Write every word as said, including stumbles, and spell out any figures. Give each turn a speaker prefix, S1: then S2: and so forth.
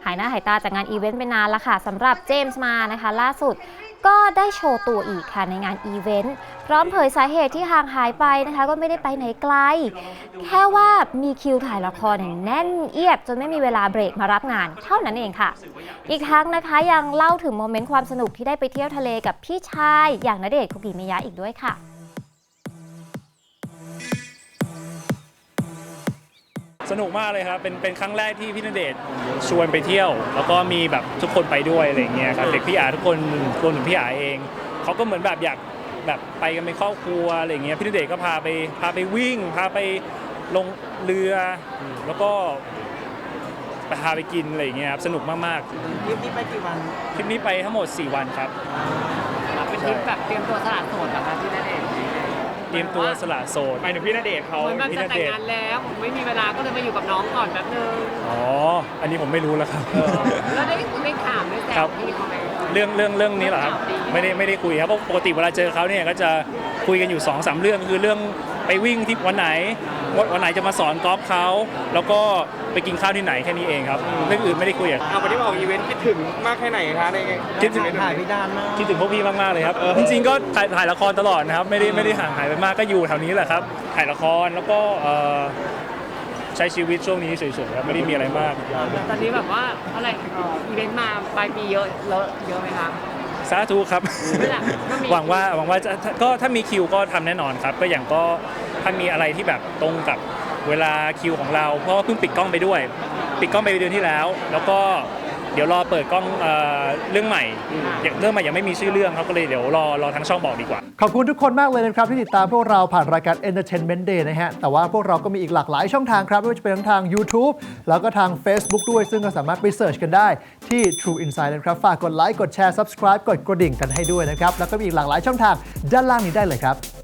S1: หายหน้าหายตาจากงานอีเวนต์ไปนานแล้วค่ะสำหรับเจมส์มานะคะล่าสุดก็ได้โชว์ตัวอีกค่ะในงานอีเวนต์พร้อมเผยสาเหตุที่ห่างหายไปนะคะก็ไม่ได้ไปไหนไกลแค่ว่ามีคิวถ่ายละครแน่นเอียดจนไม่มีเวลาเบรกมารับงานเท่านั้นเองค่ะอีกทั้งนะคะยังเล่าถึงโมเมนต์ความสนุกที่ได้ไปเที่ยวทะเลกับพี่ชายอย่างณเดชน์คุกิมิยะอีกด้วยค่ะ
S2: สนุกมากเลยครับเป็นเป็นครั้งแรกที่พี่ณเดชน์ชวนไปเที่ยวแล้วก็มีแบบทุกคนไปด้วยอะไรอย่างเงี้ยครับเด็กพี่อาทุกคนรวมถึงพี่อาเองเขาก็เหมือนแบบอยากแบบไปกันเป็นครอบครัวอะไรอย่างเงี้ยพี่ณเดชน์ก็พาไปพาไปวิ่งพาไปลงเรือแล้วก็ไปพาไปกินอะไรอย่างเงี้ยครับสนุกมาก
S3: ๆทริปนี้ไปกี่วัน
S2: ทริปนี้ไปทั้งหมดสี่วันครับ
S4: เป็นทริปแบบเตรียมตัวสละโสดนะคะพี่ณเดชน์
S2: เตรียมตัวสละโสด
S3: หมายถึงพี่ณเดชน์เขา
S4: เหมือนแบบจะแต่งงานแล้วผมไม่มีเวลาก็เลยมาอยู่กับน้องก่อนแป๊บนึง
S2: อ๋ออันนี้ผมไม่รู้แล้วครับ
S4: แล้วได้ได้ถามได้แซวพี่เขาไหม
S2: เรื่องเรื่องเรื่องนี้เหรอครับไม่ได้ไม่ได้คุยครับเพราะปกติเวลาเจอเขาเนี่ยก็จะคุยกันอยู่ สองสาม เรื่องคือเรื่องไปวิ่งที่วันไหนวันไหนจะมาสอนกอล์ฟเขาแล้วก็ไปกินข้าวที่ไหนแค่นี้เองครับเรื่องอื่นไม่ได้คุยอ่ะ
S3: เอาวันนี้มาออกอีเวนต์คิดถึงมากแค่ไหนคะใน
S2: คิดถึง
S3: ถ่ายพี่ดานมาก
S2: คิดถึงพวกพี่มากๆเลยครับจริงๆก็ถ่ายถ่ายละครตลอดนะครับไม่ได้ไม่ได้ห่างหายไปมากก็อยู่แถวนี้แหละครับถ่ายละครแล้วก็ใช้ชีวิตช่วงนี้เฉยๆครับไม่ได้มีอะไรมาก
S4: ตอนนี้แบบว่าอะไรอีเวนต์มาปลายปีเยอะเลอะเยอะไหมคะ
S2: สาธุครับหวังว่าหวังว่าจะก็ถ้ามีคิวก็ทำแน่นอนครับก็อย่างก็ถ้ามีอะไรที่แบบตรงกับเวลาคิวของเราเพราะว่าเพิ่งปิดกล้องไปด้วยปิดกล้องไปเดือนที่แล้วแล้วก็เดี๋ยวรอเปิดกล้องเรื่องใหม่เรื่องใหม่ยังไม่มีชื่อเรื่องครับก็เลยเดี๋ยวรอรอทางช่องบอกดีกว่า
S5: ขอบคุณทุกคนมากเลยนะครับที่ติดตามพวกเราผ่านรายการ Entertainment Day นะฮะแต่ว่าพวกเราก็มีอีกหลากหลายช่องทางครับไม่ว่าจะเป็นทั้งทาง YouTube แล้วก็ทาง Facebook ด้วยซึ่งก็สามารถไปเสิร์ชกันได้ที่ True Insight นะครับฝากกดไลค์กดแชร์ Subscribe กดกระดิ่งกันให้ด้วยนะครับแล้วก็มีอีกหลากหลายช่องทางด้านล่างนี้ได้เลยครับ